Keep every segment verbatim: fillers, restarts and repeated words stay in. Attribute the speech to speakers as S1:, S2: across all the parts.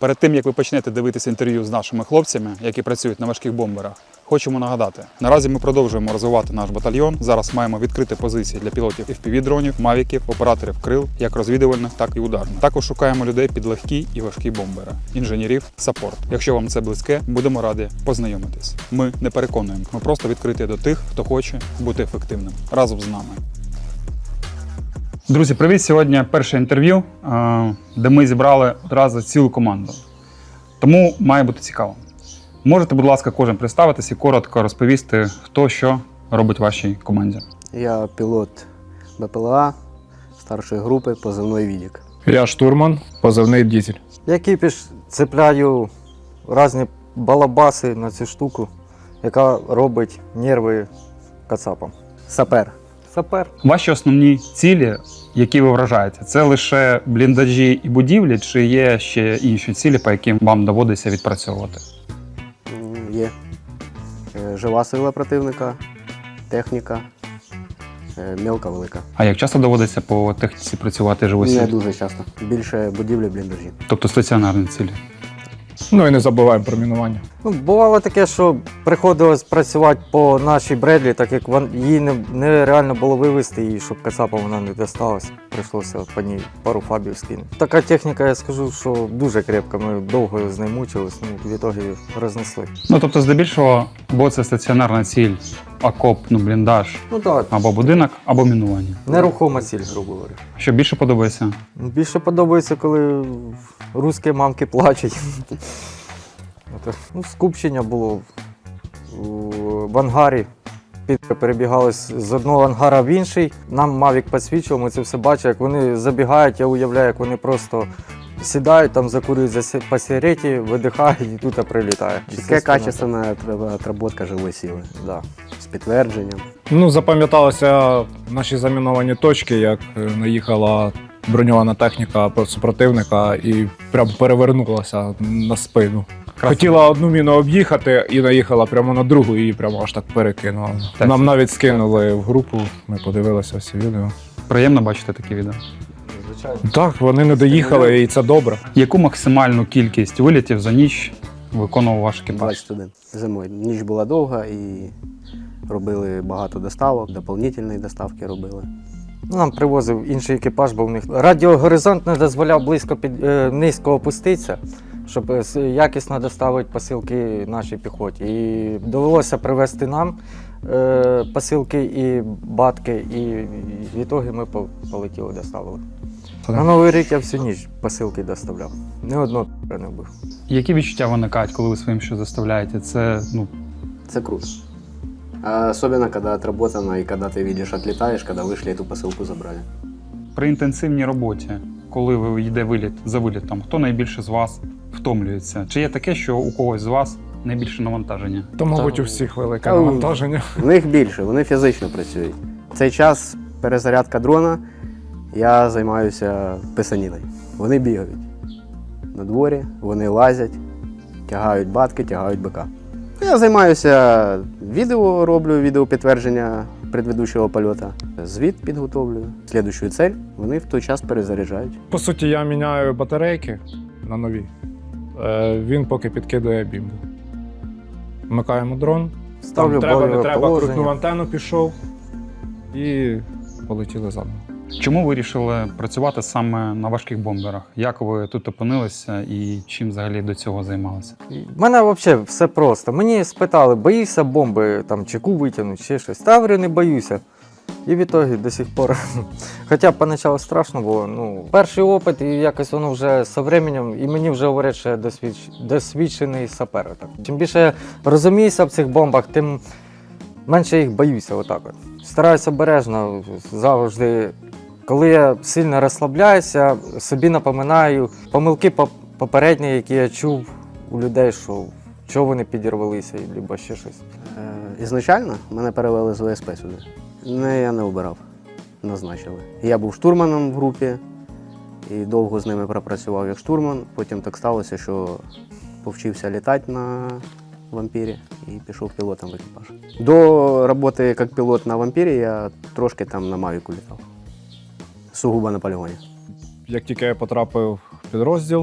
S1: Перед тим, як ви почнете дивитися інтерв'ю з нашими хлопцями, які працюють на важких бомберах, хочемо нагадати, наразі ми продовжуємо розвивати наш батальйон. Зараз маємо відкрити позиції для пілотів еф пі ві-дронів, мавіків, операторів крил, як розвідувальних, так і ударних. Також шукаємо людей під легкі і важкі бомбери, інженерів, саппорт. Якщо вам це близьке, будемо раді познайомитись. Ми не переконуємо, ми просто відкриті до тих, хто хоче бути ефективним. Разом з нами. Друзі, привіт! Сьогодні перше інтерв'ю, де ми зібрали одразу цілу команду. Тому має бути цікаво. Можете, будь ласка, кожен представитись і коротко розповісти, хто що робить в вашій команді.
S2: Я пілот бе пе ел а старшої групи, позивний Відік.
S3: Я штурман, позивний Дізель.
S4: Я кіпіш цепляю різні балабаси на цю штуку, яка робить нерви кацапам.
S2: Сапер.
S4: Сапер.
S1: Ваші основні цілі, які ви вражаєте, це лише бліндажі і будівлі, чи є ще інші цілі, по яким вам доводиться відпрацьовувати?
S2: М, Є Е, жива сила противника, техніка, е, мелка, велика.
S1: А як часто доводиться по техніці працювати живосіль?
S2: Не дуже часто. Більше будівлі, бліндажі.
S1: Тобто стаціонарні цілі?
S3: Ну і не забуваємо про мінування.
S4: Ну, бувало таке, що приходилось працювати по нашій Бредлі, так як вон, її не, нереально було вивезти, і щоб кацапам вона не досталась, прийшлося по ній пару фабів скинути. Така техніка, я скажу, що дуже крепка, ми довго з нею мучились, ну, в ітогі рознесли.
S1: Ну, тобто, здебільшого, або це стаціонарна ціль, окоп, ну, бліндаж,
S4: Ну так,
S1: або будинок, або мінування.
S4: нерухома ціль, грубо говоря.
S1: Що більше подобається?
S4: Більше подобається, коли русські мамки плачуть. От, ну, скупчення було в- в ангарі. Підки перебігали з з одного ангара в інший. Нам Мавік підсвічував, ми це все бачимо, як вони забігають, я уявляю, як вони просто сідають, там закурюють за сі- по сигареті, видихають і тут прилітає.
S2: Чітке качественна отработка живої сили.
S4: Да.
S2: З підтвердженням.
S3: Ну, запам'яталися наші заміновані точки, як е, наїхала броньована техніка супротивника і прям перевернулася на спину. Хотіла одну міну об'їхати і наїхала прямо на другу, і її прямо аж так перекинула.
S1: Так.
S3: Нам навіть скинули в групу, ми подивилися всі відео.
S1: Приємно бачити такі відео.
S4: Звичайно.
S3: Так, вони не доїхали, і це добре.
S1: Яку максимальну кількість вилітів за ніч виконував ваш екіпаж?
S2: двадцять один. Зимою. Ніч була довга і робили багато доставок, доповнительні доставки робили.
S4: Ну, нам привозив інший екіпаж, бо в них радіогоризонт не дозволяв близько під, е, низько опуститися, щоб е, с- якісно доставити посилки нашій піхоті. І довелося привезти нам е, посилки і батки, і в ітогі ми по- полетіли, доставили. На Новий рік я всю ніч посилки доставляв. Ні одного не вбив.
S1: Які відчуття виникають, коли ви своїм що заставляєте? Це, ну,
S2: Це круто. А особенно, когда отработано и когда ты видишь, отлетаешь, когда вышли эту посылку забрали.
S1: при інтенсивній роботі, коли ви йде виліт за вилітом, хто найбільше з вас втомлюється? Чи є таке, що у когось з вас найбільше навантаження?
S3: То, мабуть,
S2: Та-
S3: у всіх велике
S2: Та-
S3: навантаження.
S2: В них більше, вони фізично працюють. В цей час перезарядка дрона, я займаюся писаніною. Вони бігають на дворі, вони лазять, тягають батки, тягають бика. Я займаюся відео, роблю відеопідтвердження предведучого польоту, звіт підготовлюю, слідущу цель, вони в той час перезаряджають.
S3: По суті, я міняю батарейки на нові. Е, Він поки підкидує бімбу. Вмикаємо дрон.
S4: Ставлю
S3: Там треба, не
S4: бойове
S3: треба,
S4: положення.
S3: крутнув антенну, пішов і полетіли заново.
S1: Чому ви вирішили працювати саме на важких бомберах? Як ви тут опинилися і чим взагалі до цього займалися?
S4: У мене взагалі все просто. Мені спитали, боїшся бомби, там, чеку витягнути, ще щось. Та я говорю, не боюся. І в ітогі до сих пор. Хоча поначалу страшно було. Ну, перший опит, і якось воно вже з часом, і мені вже говорять, що я досвідч... досвідчений сапер. Так. Чим більше я розуміюся в цих бомбах, тим менше їх боюся. Отак от. Стараюся обережно завжди. Коли я сильно розслабляюся, собі напоминаю помилки поп- попередні, які я чув у людей, що чого вони підірвалися, або ще щось.
S2: Е, Ізначально мене перевели з ве ес пе сюди. Не, я не обирав, назначили. Я був штурманом в групі і довго з ними пропрацював як штурман. Потім так сталося, що повчився літати на вампірі і пішов пілотом в екіпаж. До роботи як пілот на вампірі я трошки там на Мавіку літав. Сугубо на полігоні.
S3: Як тільки я потрапив в підрозділ,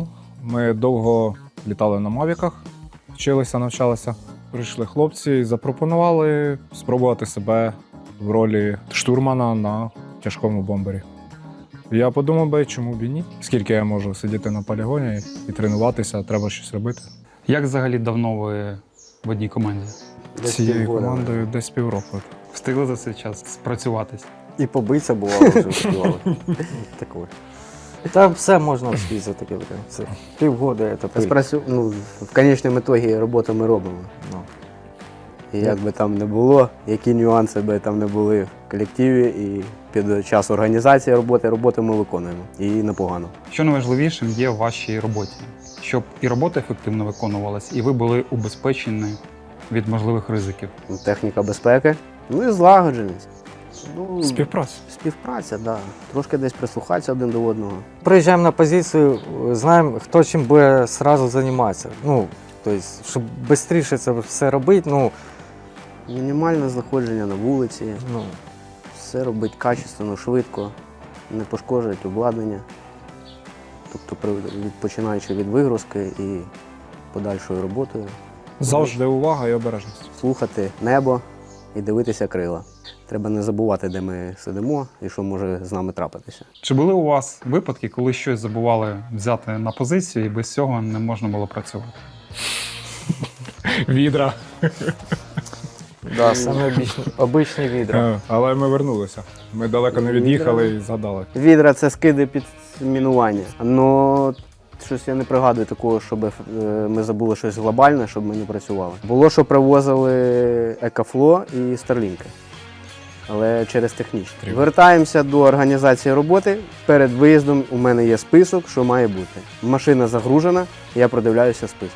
S3: Ми довго літали на мавіках, вчилися, навчалися. Прийшли хлопці і запропонували спробувати себе в ролі штурмана на тяжкому бомбері. Я подумав би, чому б і ні? Скільки я можу сидіти на полігоні і тренуватися, треба щось робити.
S1: Як взагалі давно ви в одній команді?
S2: Десь
S3: Цією
S2: півгода.
S3: командою десь півроку.
S1: Встигли за цей час спрацюватись?
S2: І побитися бувало вже співали. Таке.
S4: Та все можна встиг за таке время. Все. Півгода це пиль.
S2: Спрацю... Ну, в конечному ітогі роботу ми робимо.
S4: Ну.
S2: І як би там не було, які нюанси би там не були в колективі, і під час організації роботи, роботу ми виконуємо. І непогано.
S1: Що найважливішим є в вашій роботі? Щоб і робота ефективно виконувалась, і ви були убезпечені від можливих ризиків.
S2: Техніка безпеки, ну і злагодженість. Ну,
S3: Співпраця.
S2: Співпраця, так. Да. Трошки десь прислухатися один до одного.
S4: Приїжджаємо на позицію, знаємо, хто чим буде одразу займатися. Ну, тобто, щоб швидше це все робити, ну,
S2: Мінімальне знаходження на вулиці,
S4: ну,
S2: все робити качественно, швидко, не пошкоджувати обладнання. Тобто, при- від- починаючи від вигрузки і подальшою роботою,
S3: Завжди увага і обережність.
S2: слухати небо і дивитися крила. Треба не забувати, де ми сидимо і що може з нами трапитися.
S1: Чи були у вас випадки, коли щось забували взяти на позицію і без цього не можна було працювати?
S3: Відра.
S4: да, саме обичні, обичні відра.
S3: Е, Але ми вернулися. Ми далеко не від'їхали і згадали.
S2: Відра це скиди під мінування. Ну, щось я не пригадую такого, щоб е, ми забули щось глобальне, щоб ми не працювали. Було, що привозили Екафло і Старлінки, але через технічні.
S3: Трібно.
S2: Вертаємося до організації роботи. Перед виїздом у мене є список, що має бути. Машина загружена, я продивляюся список.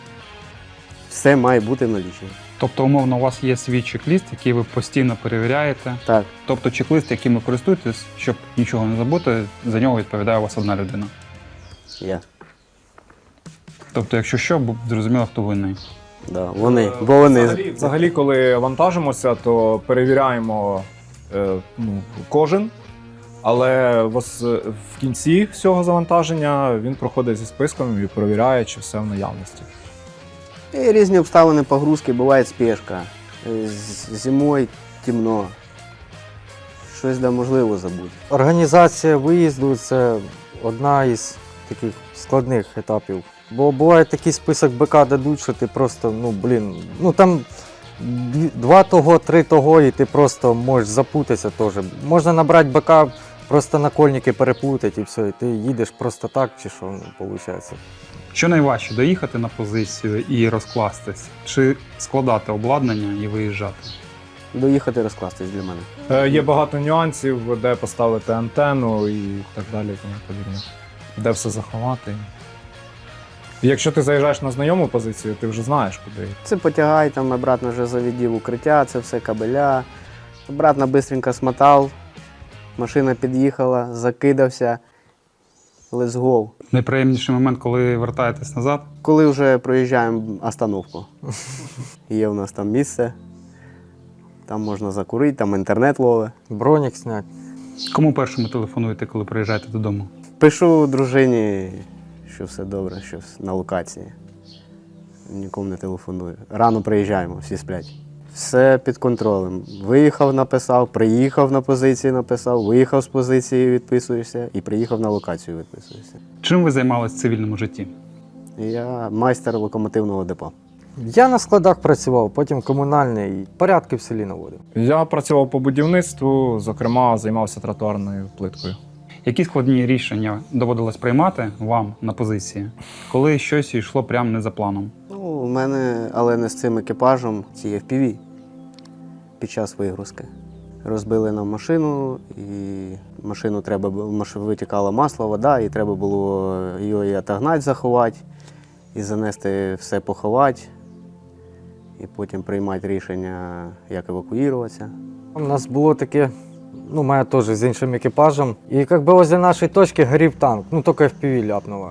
S2: Все має бути в налічі.
S1: Тобто, умовно, у вас є свій чек-ліст, який ви постійно перевіряєте.
S2: Так,
S1: Тобто чек-лист, яким ви користуєтесь, щоб нічого не забути, за нього відповідає у вас одна людина.
S2: я.
S1: Тобто, якщо що, бу- зрозуміло, хто винний.
S2: Да, вони. Бо вони.
S3: Взагалі, взагалі, коли вантажимося, то перевіряємо е, ну, кожен, але в, ос- в кінці всього завантаження він проходить зі списком і перевіряє, чи все в наявності.
S2: І різні обставини погрузки, буває спешка. Е, з- Зимою темно. Щось де можливо забути.
S4: Організація виїзду це одна із таких складних етапів. Бо буває такий список БК дадуть, що ти просто, ну блін, ну там дві- два того, три того, і ти просто можеш запутатися теж. Можна набрати БК, просто накольники переплутати і все, і ти їдеш просто так, чи що, ну, виходить.
S1: Що найважче доїхати на позицію і розкластись, чи складати обладнання і виїжджати?
S2: Доїхати розкластись для мене.
S3: Е, є багато нюансів, де поставити антенну і так далі, і тому подібне. Де все заховати. І якщо ти заїжджаєш на знайому позицію, ти вже знаєш, куди.
S2: Це потягай, там обратно вже завідів укриття, це все кабеля. Обратно бистренько смотав, машина під'їхала, закидався. Let's go.
S1: Найприємніший момент, коли вертаєтесь назад,
S2: Коли вже проїжджаємо остановку. Є у нас там місце, там можна закурити, там інтернет ловить.
S4: Бронік зняти.
S1: кому першому телефонуєте, коли приїжджаєте додому?
S2: Пишу дружині, що все добре, що вс- на локації. Нікому не телефоную. Рано приїжджаємо, всі сплять. Все під контролем. Виїхав, написав, приїхав на позиції, написав, виїхав з позиції, відписуєшся, і приїхав на локацію, відписуєшся.
S1: Чим ви займалися в цивільному житті?
S2: Я майстер локомотивного депо.
S4: Я на складах працював, потім комунальний, і порядки в селі наводив.
S3: Я працював по будівництву, зокрема, займався тротуарною плиткою.
S1: Які складні рішення доводилось приймати вам на позиції, коли щось йшло прямо не за планом?
S2: Ну, у мене, але не з цим екіпажем, ці еф пі ві під час вигрузки. Розбили нам машину, і машину треба було, маш- витікало масло, вода, і треба було її отогнати, заховати, і занести все поховати, і потім приймати рішення, як евакуюватися.
S4: У нас було таке, ну, моя теж з іншим екіпажем. І як би возле нашої точки горів танк, ну тільки еф пі ві ляпнуло.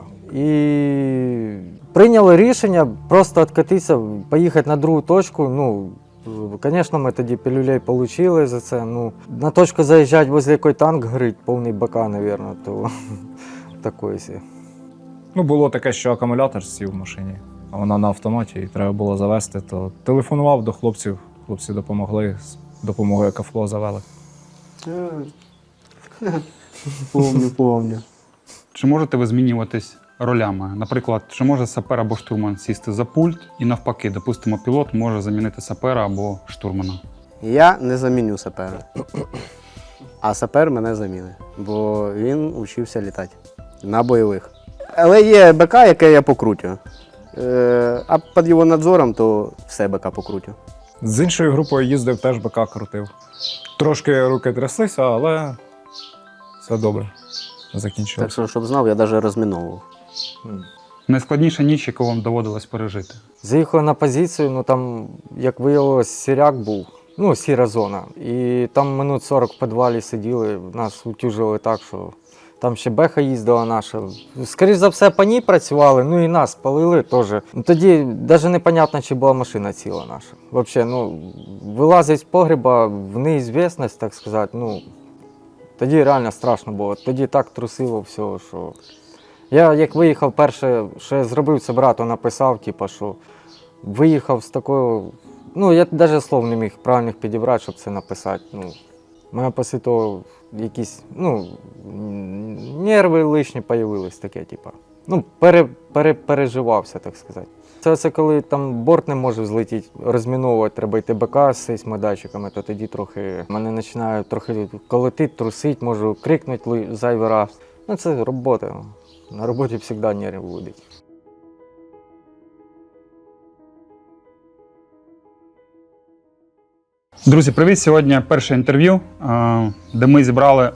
S4: І прийняли рішення просто відкатитися, поїхати на другу точку. Ну, звісно, ми тоді пілюлей отримали за це. Ну, на точку заїжджати, возле якої танк горить, повний БК, мабуть, то такої сі.
S3: Ну, було таке, що акумулятор сів в машині, а вона на автоматі, і треба було завести, то телефонував до хлопців, хлопці допомогли, з допомогою Екафло завели.
S2: Помню, помню.
S1: Чи можете ви змінюватись ролями? Наприклад, чи може сапер або штурман сісти за пульт і навпаки, допустимо, пілот може замінити сапера або штурмана?
S2: Я не заміню сапера. А сапер мене замінить, бо він учився літати на бойових. Але є БК, яке я покрутю. Е, а під його надзором, то все БК покрутю.
S3: З іншою групою їздив, теж БК крутив. Трошки руки тряслися, але все добре.
S2: Так
S3: Закінчилось.
S2: що, щоб знав, я навіть розміновував.
S1: Найскладніша ніч, яку вам доводилось пережити?
S4: Заїхали на позицію, ну там, як виявилось, сіряк був, ну, сіра зона. І там минут сорок в підвалі сиділи, нас утюжили так, що там ще беха їздила наша. Скоріше за все, по ній працювали, ну і нас палили теж. Ну, тоді навіть непонятно, чи була машина ціла наша. Взагалі, ну, вилазить з погреба в неізвісність, так сказати, ну, тоді реально страшно було. Тоді так трусило все, що... Я як виїхав, перше, що я зробив, це брату написав, типу, що виїхав з такою. Ну, я навіть слов не міг правильних підібрати, щоб це написати. Ну, у мене після того якісь, ну, нерви лишні з'явились таке, типу. Ну, пере, пере, переживався, так сказати. Це, це коли там борт не може злетіти, розміновувати, треба йти БК з сейсмодатчиками, то тоді трохи мене починає трохи колотити, трусити, можу крикнути зайвий раз. Ну, це робота. На роботі завжди нерви будуть.
S1: Друзі, привіт! Сьогодні перше інтерв'ю, е, де ми зібрали